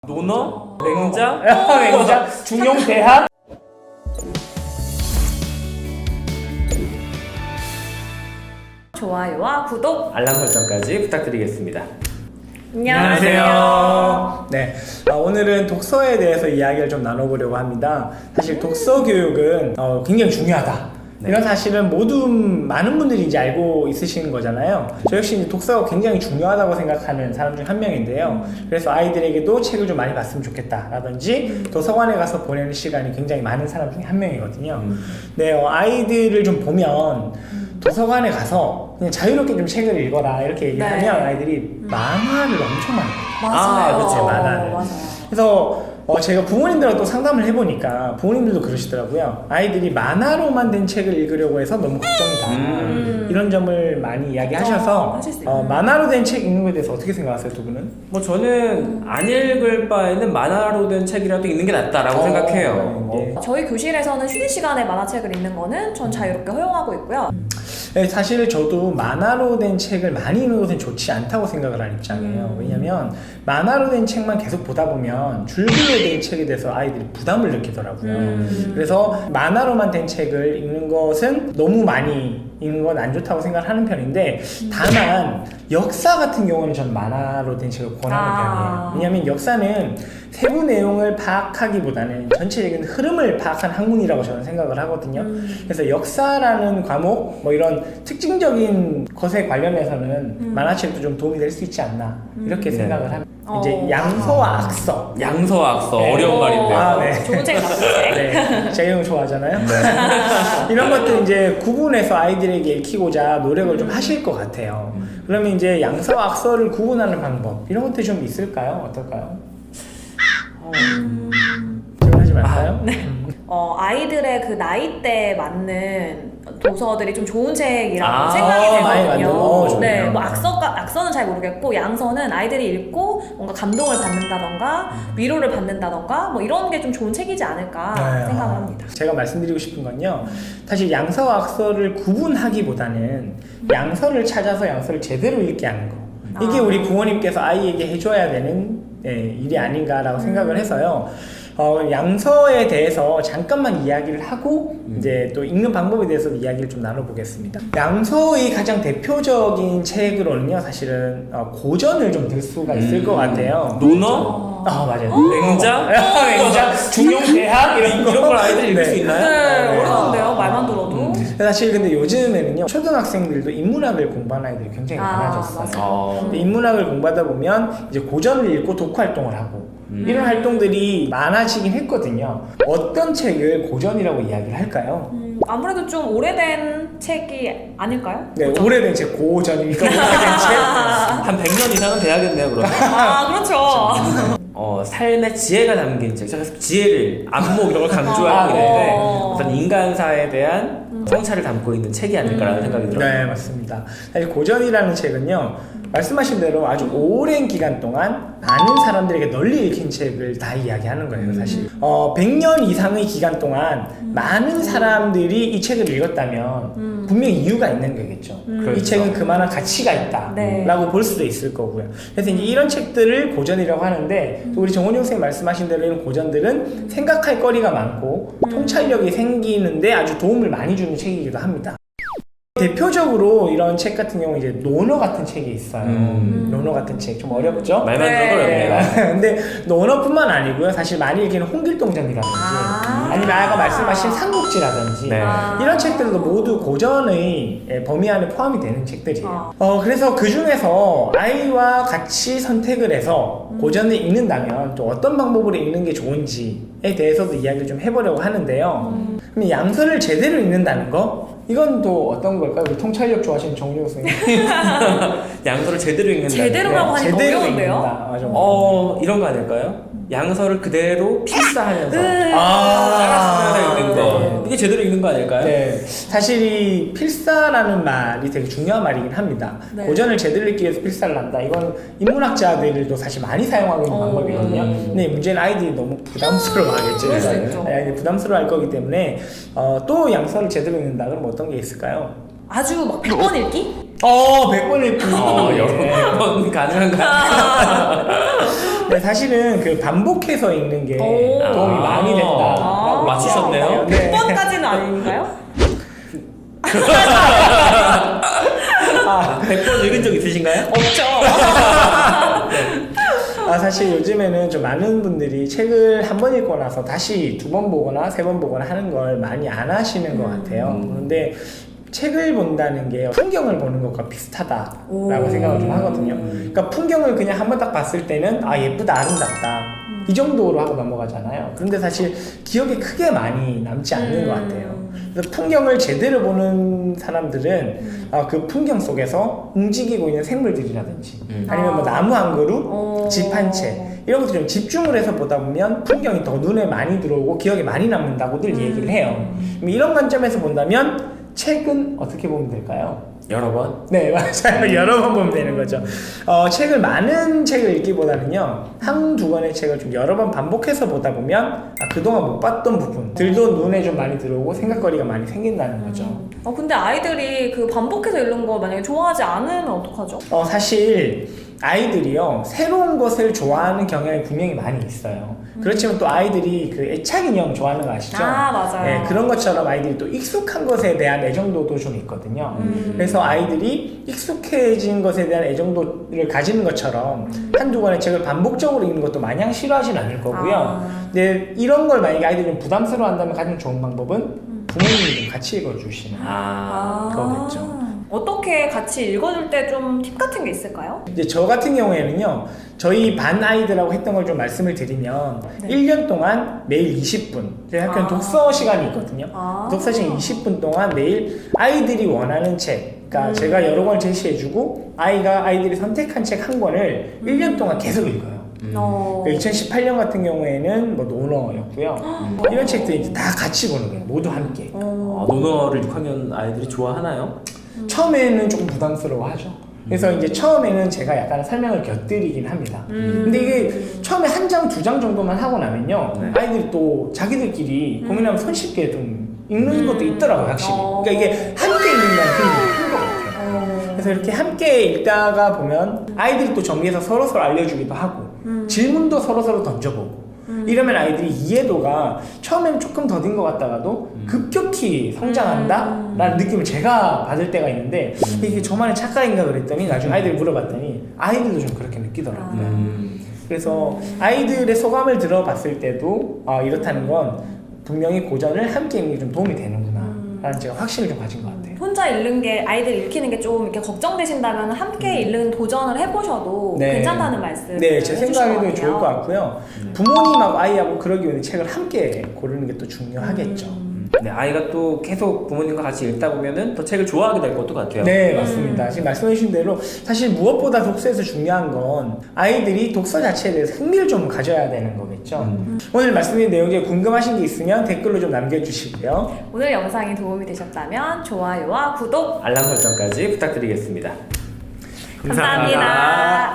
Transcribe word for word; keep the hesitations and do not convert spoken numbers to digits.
논어? 맹자? 맹자? 중용 대학? 좋아요와 구독 알람 설정까지 부탁드리겠습니다. 안녕하세요. 네, 어, 오늘은 독서에 대해서 이야기를 좀 나눠보려고 합니다. 사실 독서 교육은 어, 굉장히 중요하다. 네. 이런 사실은 모두 많은 분들이 이제 알고 있으시는 거잖아요. 저 역시 이제 독서가 굉장히 중요하다고 생각하는 사람 중 한 명인데요. 그래서 아이들에게도 책을 좀 많이 봤으면 좋겠다라든지 도서관에 가서 보내는 시간이 굉장히 많은 사람 중에 한 명이거든요. 음. 네, 어, 아이들을 좀 보면 도서관에 가서 그냥 자유롭게 좀 책을 읽어라 이렇게 얘기를 네. 하면 아이들이 만화를 엄청 많이 봐요. 맞아요. 아, 그치, 만화를. 맞아요. 그래서 어, 제가 부모님들하고 또 상담을 해보니까 부모님들도 그러시더라고요. 아이들이 만화로만 된 책을 읽으려고 해서 너무 걱정이다. 음. 이런 점을 많이 이야기하셔서 걱정하실 수 어, 있어요. 만화로 된 책 읽는 거에 대해서 어떻게 생각하세요, 두 분은? 뭐 저는 안 읽을 바에는 만화로 된 책이라도 읽는 게 낫다라고 어, 생각해요. 네. 어, 저희 교실에서는 쉬는 시간에 만화책을 읽는 거는 전 자유롭게 허용하고 있고요. 네, 사실 저도 만화로 된 책을 많이 읽는 것은 좋지 않다고 생각을 하는 입장이에요. 음. 왜냐면 만화로 된 책만 계속 보다 보면 줄글로 된 책에 대해서 아이들이 부담을 느끼더라고요. 음. 그래서 만화로만 된 책을 읽는 것은 너무 많이 읽는 건 안 좋다고 생각하는 편인데, 다만 역사 같은 경우는 전 만화로 된 책을 권하는 아. 편이에요. 왜냐면 역사는 세부 내용을 파악하기보다는 전체적인 흐름을 파악한 학문이라고 저는 생각을 하거든요. 음. 그래서 역사라는 과목, 뭐 이런 특징적인 것에 관련해서는 음. 만화책도 좀 도움이 될 수 있지 않나 이렇게 네. 생각을 합니다. 어. 이제 양서와 악서. 양서악서 네. 어려운 어, 말인데요. 아, 네. 좋은 책, 나쁜 책. 네, 제가 이런 거 좋아하잖아요. 네. 이런 것들 이제 구분해서 아이들에게 읽히고자 노력을 좀 하실 것 같아요. 그러면 이제 양서와 악서를 구분하는 방법, 이런 것들이 좀 있을까요? 어떨까요? 질문하지 말까요? 아, 네. 어, 아이들의 그 나이대에 맞는 도서들이 좀 좋은 책이라고 아, 생각이 많이 되거든요. 만든- 어, 좋네요. 네, 뭐 악서가, 악서는 잘 모르겠고 양서는 아이들이 읽고 뭔가 감동을 받는다던가 위로를 받는다던가 뭐 이런 게 좀 좋은 책이지 않을까 네, 생각을 아, 합니다. 제가 말씀드리고 싶은 건요, 사실 양서와 악서를 구분하기보다는 양서를 찾아서 양서를 제대로 읽게 하는 거, 이게 아. 우리 부모님께서 아이에게 해줘야 되는 네, 일이 아닌가라고 생각을 해서요. 어, 양서에 대해서 잠깐만 이야기를 하고 음. 이제 또 읽는 방법에 대해서 이야기를 좀 나눠보겠습니다. 양서의 가장 대표적인 책으로는요, 사실은 어, 고전을 좀 들 수가 있을 음. 것 같아요. 논어? 아, 맞아요. 맹자? 맹자, 중용 대학 이런 거. 이런 걸 아이들이 읽을 네. 수 있나요? 네, 어려운데요. 말만 들어도. 사실 근데 요즘에는요, 초등학생들도 인문학을 공부하는 아이들이 굉장히 아, 많아졌어요. 맞아요. 어. 근데 인문학을 공부하다 보면 이제 고전을 읽고 독후 활동을 하고 음. 이런 활동들이 많아지긴 했거든요. 어떤 책을 고전이라고 이야기를 할까요? 음, 아무래도 좀 오래된 책이 아닐까요? 네, 그죠? 오래된 책, 고전이니까 오래된 한 백 년 이상은 돼야겠네요, 그러면. 아, 그렇죠. 어, 삶의 지혜가 담긴 책. 제가 지혜를, 안목 이런 걸 강조하고 아, 있는데 어. 어떤 인간사에 대한 성찰을 담고 있는 책이 아닐까라는 생각이 책. 들어요. 네, 맞습니다. 사실 고전이라는 책은요, 말씀하신 대로 아주 오랜 기간 동안 많은 사람들에게 널리 읽힌 책을 다 이야기하는 거예요, 사실. 어, 백 년 이상의 기간 동안 많은 사람들이 이 책을 읽었다면 분명히 이유가 있는 거겠죠. 이 그렇죠. 책은 그만한 가치가 있다 네. 라고 볼 수도 있을 거고요. 그래서 이제 이런 책들을 고전이라고 하는데, 또 우리 정원용 선생님 말씀하신 대로 이런 고전들은 생각할 거리가 많고 통찰력이 생기는데 아주 도움을 많이 주는 책이기도 합니다. 대표적으로 이런 책 같은 경우 이제 논어 같은 책이 있어요. 음. 논어 같은 책 좀 어렵죠? 말만 네. 들어도 어렵네요. 근데 논어뿐만 아니고요. 사실 많이 읽히는 홍길동전이라든지 아. 아니면 아까 말씀하신 삼국지라든지 네. 아. 이런 책들도 모두 고전의 예, 범위 안에 포함이 되는 책들이에요. 아. 어, 그래서 그 중에서 아이와 같이 선택을 해서 고전을 읽는다면 또 어떤 방법으로 읽는 게 좋은지에 대해서도 이야기를 좀 해보려고 하는데요. 그럼 양서를 제대로 읽는다는 거? 이건 또 어떤 걸까요? 우리 통찰력 좋아하시는 정용 선생님. 양서를 제대로 읽는다. 제대로라고 하니까 제대로 어려운데요? 읽는다. 맞아. 어, 이런 거 아닐까요? 양서를 그대로 필사하면서 음. 아, 따라쓰면서 읽는 거. 네. 이게 제대로 읽는 거 아닐까요? 네, 사실 이 필사라는 말이 되게 중요한 말이긴 합니다. 네. 고전을 제대로 읽기 위해서 필사를 한다. 이건 인문학자들도 사실 많이 사용하고 있는 어. 방법이거든요. 근데 문제는 아이들이 너무 부담스러워하겠죠. 그럴 수 있죠. 네, 부담스러워할 거기 때문에 어, 또 양서를 제대로 읽는다. 그럼 어떤 게 있을까요? 아주 막 백 번 읽기? 어, 백 번 읽기. 어, 여러 번 가능한가요? 근데 사실은 그 반복해서 읽는 게 오. 도움이 아. 많이 된다라고 아. 맞추셨네요. 네. 백 번까지는 아닌가요? 백 번 읽은 적 있으신가요? 없죠. 아, 사실 요즘에는 좀 많은 분들이 책을 한 번 읽고 나서 다시 두 번 보거나 세 번 보거나 하는 걸 많이 안 하시는 것 같아요. 음. 그런데 책을 본다는 게 풍경을 보는 것과 비슷하다라고 오. 생각을 좀 하거든요. 그러니까 풍경을 그냥 한 번 딱 봤을 때는 아, 예쁘다, 아름답다. 이 정도로 하고 넘어가잖아요. 그런데 사실 기억에 크게 많이 남지 않는 음. 것 같아요. 그래서 풍경을 제대로 보는 사람들은 음. 아, 그 풍경 속에서 움직이고 있는 생물들이라든지 음. 아니면 뭐 나무 한 그루, 어. 집 한 채 이런 것들 좀 집중을 해서 보다 보면 풍경이 더 눈에 많이 들어오고 기억에 많이 남는다고들 음. 얘기를 해요. 그럼 이런 관점에서 본다면 책은 어떻게 보면 될까요? 여러 번? 네, 맞아요. 여러 번 보면 되는 거죠. 어, 책을 많은 책을 읽기보다는요, 한두 권의 책을 좀 여러 번 반복해서 보다 보면, 아, 그동안 못 봤던 부분들도 눈에 좀 많이 들어오고 생각거리가 많이 생긴다는 거죠. 어, 근데 아이들이 그 반복해서 읽는 거 만약에 좋아하지 않으면 어떡하죠? 어, 사실, 아이들이요, 새로운 것을 좋아하는 경향이 분명히 많이 있어요. 그렇지만 또 아이들이 그 애착 인형 좋아하는 거 아시죠? 아, 맞아요. 네, 그런 것처럼 아이들이 또 익숙한 것에 대한 애정도도 좀 있거든요. 음. 그래서 아이들이 익숙해진 것에 대한 애정도를 가지는 것처럼 한두 권의 책을 반복적으로 읽는 것도 마냥 싫어하진 않을 거고요. 아. 근데 이런 걸 만약에 아이들이 좀 부담스러워 한다면 가장 좋은 방법은 부모님이 좀 같이 읽어주시는 아, 그거겠죠. 어떻게 같이 읽어줄 때 좀 팁 같은 게 있을까요? 이제 저 같은 경우에는요, 저희 반 아이들하고 했던 걸 좀 말씀을 드리면, 네. 일 년 동안 매일 이십 분, 저희 학교는 아. 독서 시간이 있거든요. 아. 독서 시간 이십 분 동안 매일 아이들이 원하는 책, 그러니까 음. 제가 여러 권을 제시해주고, 아이가, 아이들이 선택한 책 한 권을 일 년 동안 계속 읽어요. 음. 어. 이천십팔 년 같은 경우에는 뭐 노너였고요. 이런 책들 이제 다 같이 보는 거예요. 모두 함께. 어. 아, 논어를 육 학년 아이들이 좋아하나요? 처음에는 조금 부담스러워하죠. 그래서 이제 처음에는 제가 약간 설명을 곁들이긴 합니다. 음. 근데 이게 처음에 한 장, 두 장 정도만 하고 나면요. 네. 아이들이 또 자기들끼리 고민하면 손쉽게 좀 읽는 음. 것도 있더라고요, 확실히. 어. 그러니까 이게 함께 읽는다는 힘이 큰 것 같아요. 어. 그래서 이렇게 함께 읽다가 보면 아이들이 또 정리해서 서로서로 알려주기도 하고 음. 질문도 서로서로 던져보고 음. 이러면 아이들이 이해도가 처음에는 조금 더딘 것 같다가도 음. 급격히 성장한다? 라는 느낌을 제가 받을 때가 있는데 음. 이게 저만의 착각인가 그랬더니 나중에 아이들이 물어봤더니 아이들도 좀 그렇게 느끼더라고요. 음. 그래서 아이들의 소감을 들어봤을 때도 아, 이렇다는 건 분명히 고전을 함께 읽는 게 좀 도움이 되는구나 라는 제가 확신을 좀 가진 것 같아요. 혼자 읽는 게 아이들 읽히는 게 좀 이렇게 걱정되신다면 함께 읽는 도전을 해보셔도 네. 괜찮다는 말씀. 네, 제 생각에도 좋을 것 같고요. 부모님하고 아이하고 그러기 위해 책을 함께 고르는 게 또 중요하겠죠. 네, 아이가 또 계속 부모님과 같이 읽다 보면은 더 책을 좋아하게 될 것도 같아요. 네, 맞습니다. 지금 말씀해주신 대로 사실 무엇보다 독서에서 중요한 건 아이들이 독서 자체에 대해서 흥미를 좀 가져야 되는 거겠죠. 음. 오늘 말씀드린 내용 중에 궁금하신 게 있으면 댓글로 좀 남겨주시고요. 오늘 영상이 도움이 되셨다면 좋아요와 구독 알람 설정까지 부탁드리겠습니다. 감사합니다.